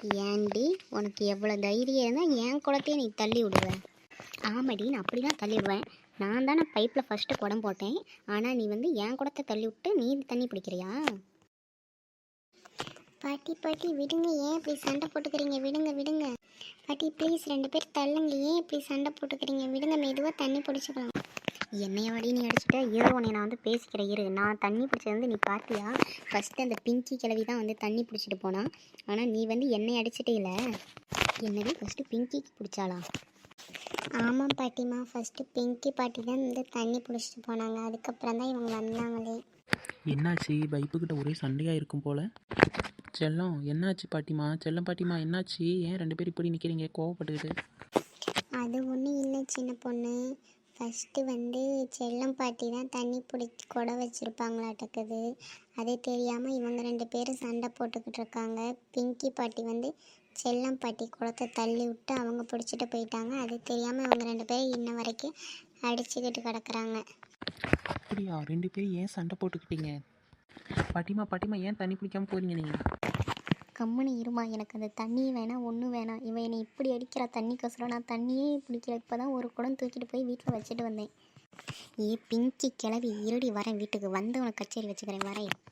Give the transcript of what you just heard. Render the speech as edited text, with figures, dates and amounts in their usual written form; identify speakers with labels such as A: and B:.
A: ஏன்டி உனக்கு எவ்வளோ தைரியம் இருந்தால் என் குளத்தையே நீ தள்ளி விடுவேன்? ஆமாடி, நான் அப்படி தான் தள்ளி விடுவேன். நான் தானே பைப்பில் ஃபஸ்ட்டு குடம் போட்டேன். ஆனால் நீ வந்து என் குடத்தை தள்ளி விட்டு நீ தண்ணி பிடிக்கிறியா? பாட்டி பாட்டி விடுங்க, ஏன் இப்படி சண்டை போட்டுக்கிறீங்க? விடுங்க விடுங்க பாட்டி ப்ளீஸ், 2 பேர் தள்ளுங்க. ஏன் இப்படி சண்டை போட்டுக்கிறீங்க? விடுங்க, மெதுவாக தண்ணி பிடிச்சிக்கலாம். என்னைய வாடி நீ அடிச்சுட்ட? ஏதோ உன்னை நான் வந்து பேசிக்கிறேன் இரு. நான் தண்ணி பிடிச்சது வந்து நீ பார்த்தியா? ஃபஸ்ட்டு அந்த பிங்கி கிழவி தான் வந்து தண்ணி பிடிச்சிட்டு போனான். ஆனால் நீ வந்து என்னை அடிச்சிட்டே இல்லை. என்னது, ஃபஸ்ட்டு பிங்கிக்கு பிடிச்சாளா? ஆமாம் பாட்டிமா, ஃபஸ்ட்டு பிங்கி பாட்டி தான் வந்து தண்ணி பிடிச்சிட்டு போனாங்க. அதுக்கப்புறம் தான் இவங்க வந்தாங்களே.
B: என்னாச்சு? பைப்புக்கிட்ட ஒரே சண்டையாக இருக்கும் போல். செல்லம் என்னாச்சு பாட்டிமா? செல்லம் பாட்டிமா என்னாச்சு? ஏன் 2 பேர் இப்படி நிற்கிறீங்க கோவப்பட்டுக்கிட்டு?
A: அது ஒன்றும் இல்லை சின்ன பொண்ணு. ஃபஸ்ட்டு வந்து செல்லம் பாட்டி தான் தண்ணி பிடிச்சி குடம் வச்சுருப்பாங்களாட்டக்குது. அது தெரியாமல் இவங்க 2 பேரும் சண்டை போட்டுக்கிட்டு இருக்காங்க. பிங்கி பாட்டி வந்து செல்லம் பாட்டி குடத்தை தள்ளி விட்டு அவங்க பிடிச்சிட்டு போயிட்டாங்க. அது தெரியாமல் இவங்க 2 பேரும் இன்ன வரைக்கும் அடிச்சுக்கிட்டு கிடக்குறாங்க.
B: அப்படியா? 2 பேரும் ஏன் சண்டை போட்டுக்கிட்டீங்க? பாட்டிமா பாட்டிமா ஏன் தண்ணி பிடிக்காமல் போகிறீங்க நீங்கள்?
A: கம்முனு இருமா, எனக்கு அந்த தண்ணி வேணாம், ஒன்றும் வேணாம். இவன் என்னை இப்படி அடிக்கிறா தண்ணிக்கோசரம். நான் தண்ணியே பிடிக்கல. இப்போ தான் ஒரு குடம் தூக்கிட்டு போய் வீட்டில் வச்சுட்டு வந்தேன். ஏ பிங்கி கிளவி, இருடி வரேன், வீட்டுக்கு வந்து உனக்கு கச்சேரி வச்சுக்கிறேன், வரேன்.